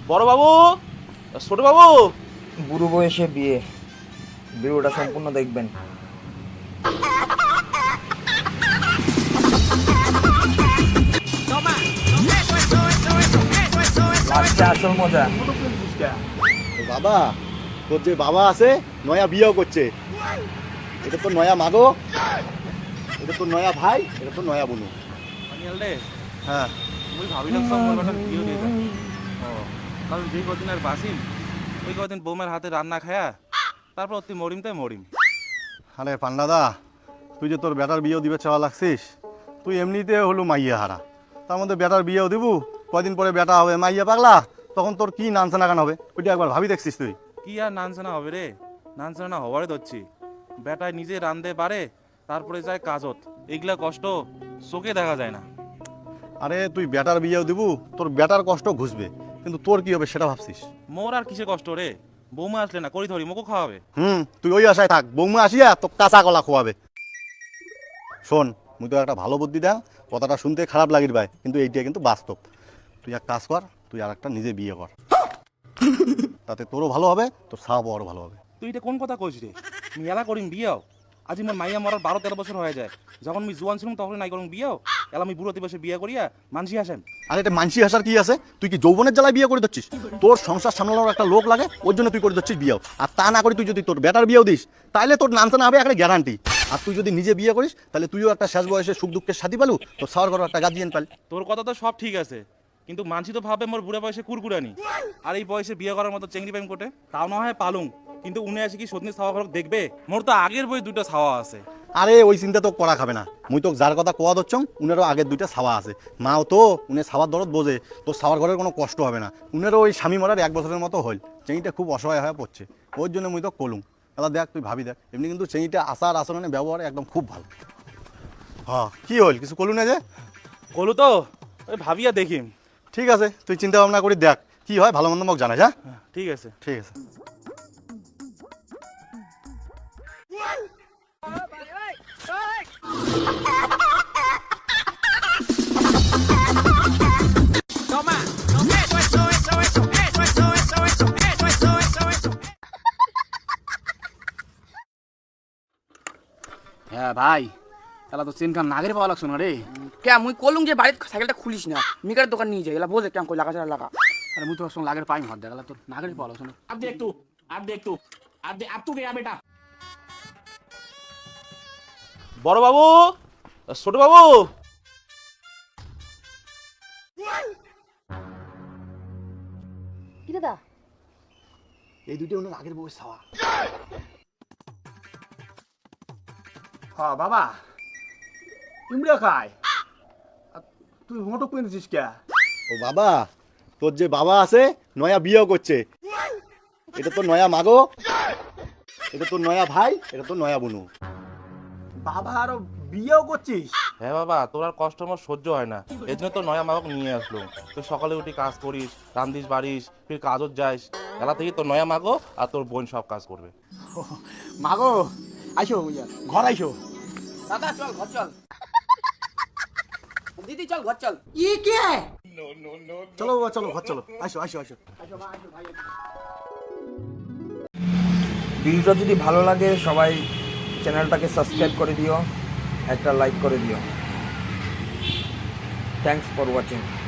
বড় বাবু, ছোট বাবু। বুড়ো বয়সে বিয়ে, ভিডিওটা সম্পূর্ণ দেখবেন। লাস্টে আসল মজা। বাবা, তোর যে বাবা আছে নয়া বিয়েও করছে। এটা তো নয়া মাগো, এটা তো নয়া ভাই, এটা তো নয়া বোনু। অনিয়াল রে, হ্যাঁ, মুই ভাবিলাম সব মোর বেটার বিয়ে দিয়ে যায়। ও, কারণ যেই কদিন আর বাসিম ওই কদিন বৌমার হাতে রান্না খায়া তারপর তুই মরিম তাই মরিম। আরে পান্ডাদা, তুই যে তোর বেটার বিয়েও দিবে চাওয়া লাগছিস, তুই এমনিতে হলো মাইয়া হারা, তার মধ্যে বেটার বিয়েও দিবু, কয়দিন পরে বেটা হবে মাইয়া পাগলা, তখন তোর কি নানসানা গান হবে ওইটা একবার ভাবি দেখছিস তুই? কি আর নানসানা হবে রে, নানসানা হবারে ধরছি। বেটায় নিজে রান্ধে পারে, তারপরে যায় কাজত, এগুলা কষ্ট চোখে দেখা যায় না। আরে তুই বেটার বিয়েও দিবু, তোর বেটার কষ্ট ঘুষবে, কিন্তু তোর কি হবে সেটা ভাবছিস? মোর আর কিসে কষ্ট রে, বৌমা আসলে না করি ধরি মোকে খাওয়াবে। তুই ওই আশায় থাক, বৌমা আসিয়া তো কাঁচা কলা খোয়াবে। শোন, মুই তো একটা ভালো বুদ্ধি দেন, কথাটা শুনতে খারাপ লাগির ভাই, কিন্তু এইটা কিন্তু বাস্তব। তুই এক কাজ কর, তুই আর একটা নিজে বিয়ে কর, তাতে তোরও ভালো হবে, তোর সাহাবও আরও ভালো হবে। তুই এটা কোন কথা কইস রে, মেলা করিম বিয়াও। আজি মোর মাইয়া মরার 12-13 বছর হয়ে যায়, যখন আমি জুয়ান ছিলাম তখন নাই করুন বিয়াও, এলা আমি বুড়ো দিবসে বিয়া করিয়া মানসি আসেন। আর এটা মানসি হাসার কি আছে? তুই কি যৌবনের জ্বালায় বিয়ে করে দিচ্ছিস? তোর সংসার সামলানোর একটা লোক লাগে, ওর জন্য তুই করে দিচ্ছিস বিয়েও। আর তা না করে তুই যদি তোর বেটার বিয়েও দিস, তাহলে তোর নামতে হবে একটা গ্যারান্টি। আর তুই যদি নিজে বিয়ে করিস, তাহলে তুইও একটা শেষ বয়সে সুখ দুঃখের সাথী পালু, তোর সাওয়ার করার একটা গার্জিয়ান পাল। তোর কথা তো সব ঠিক আছে, কিন্তু মানসি তো ভাবে মোর বুড়া বয়সে কুরকুরানি, আর এই বয়সে বিয়ে করার মতো চেংড়ি পাইম কোটে। তাও না হয় পালুং, কিন্তু উনি আসে কি সত্যি ছাওয়া ঘর দেখবে? মোর তো আগের বই দুটো ছাওয়া আছে। আরে ওই চিন্তা তো করা খাবে না, মুই তো যার কথা কোয়া দচ্ছং উনারও আগের দুইটা ছাওয়া আছে। মাও তো উনি ছাওয়ার দরদ বোঝে, তোর ছাওয়ার ঘরের কোনো কষ্ট হবে না। উনারও ওই স্বামী মরার 1 বছরের মতো হল, চেঁড়িটা খুব অসহায় হয়ে পড়ছে, ওর জন্য মুই তো কলুম। তাহলে দেখ, তুই ভাবি দেখ, এমনি কিন্তু চেঁড়িটা আচার আচরণে ব্যবহার একদম খুব ভালো। হ্যাঁ, কি হল, কিছু কলু না যে? কলু তো ওই ভাবিয়া দেখিম। ঠিক আছে, তুই চিন্তা ভাবনা করি দেখ কি হয়, ভালো মন্দ মোক জানাস। হ্যাঁ, ঠিক আছে। ঠিক আছে। হ্যাঁ ভাই, তাহলে তো চেন কাম নাগের পাওয়া লাগছো না রে। কে মুই কলুম যে বাড়িতে সাইকেলটা খুলিস না, মিকার দোকান নিয়ে যাই, এলা বোঝে কেমন কই লাগা ছাড়া লাগা। আরে মুই তোর সঙ্গে লাগের পাইম হাত দেখালা, তোর নাগের পাওয়া লাগছো না। अब देख तू, अब देख तू, अब तू गया बेटा। বড় বাবু, ছোট বাবু। কি দাদা? এই দুইটা ওনার আগের বউয়ের ছাওয়া। হ্যাঁ বাবা, ইমড়া খায়, তুই মোটো কুয়ে নিছিস কে? ও বাবা, তোর যে বাবা আছে নয়া বিয়েও করছে। এটা তো নয়া মাগো, এটা তো নয়া ভাই, এটা তো নয়া বোনু। বাবা আরো বিয়েও করছিস? হ্যাঁ বাবা, তোর আর কষ্ট আমার সহ্য হয় না, এই জন্য তো নয়া মাবাক নিয়ে আসলো। তুই সকালে উঠি কাজ করিস, রান্ধিস বাড়িস, ফির কাজত যাইস, এলা থেকে তোর নয়া মাগো আর তোর বোন সব কাজ করবে। মাগো আইসো, ঘর আইসো। দাদা চল ঘর চল, দিদি চল ঘর চল। চলো বাবা, চলো ঘর চলো, আসো আসো আসো। ভিডিওটা যদি ভালো লাগে সবাই চ্যানেলটাকে সাবস্ক্রাইব করে দিও, একটা লাইক করে দিও। Thanks for watching.